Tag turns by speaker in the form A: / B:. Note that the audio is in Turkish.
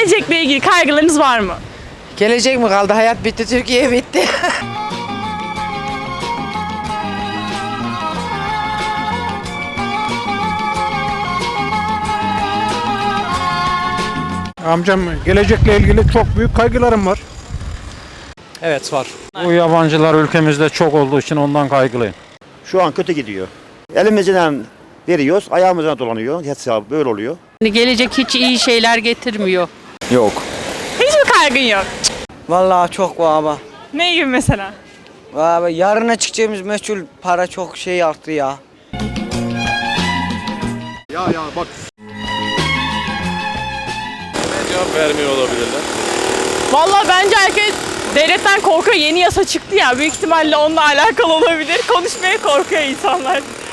A: Gelecekle ilgili kaygılarınız var mı?
B: Gelecek mi kaldı? Hayat bitti, Türkiye bitti.
C: Amcam gelecekle ilgili çok büyük kaygılarım var.
D: Evet var.
C: Bu yabancılar ülkemizde çok olduğu için ondan kaygılıyım.
E: Şu an kötü gidiyor. Elimizden veriyoruz, ayağımızdan dolanıyor. Hesabı böyle oluyor.
F: Gelecek hiç iyi şeyler getirmiyor.
E: Yok.
A: Hiç mi kaygın yok?
G: Vallahi çok var ama.
A: Ne gibi mesela?
G: Vallahi yarına çıkacağımız meçhul para çok şey arttı ya.
H: Cevap vermiyor olabilirler.
A: Vallahi bence herkes devletten korkuyor. Yeni yasa çıktı ya. Büyük ihtimalle onunla alakalı olabilir. Konuşmaya korkuyor insanlar.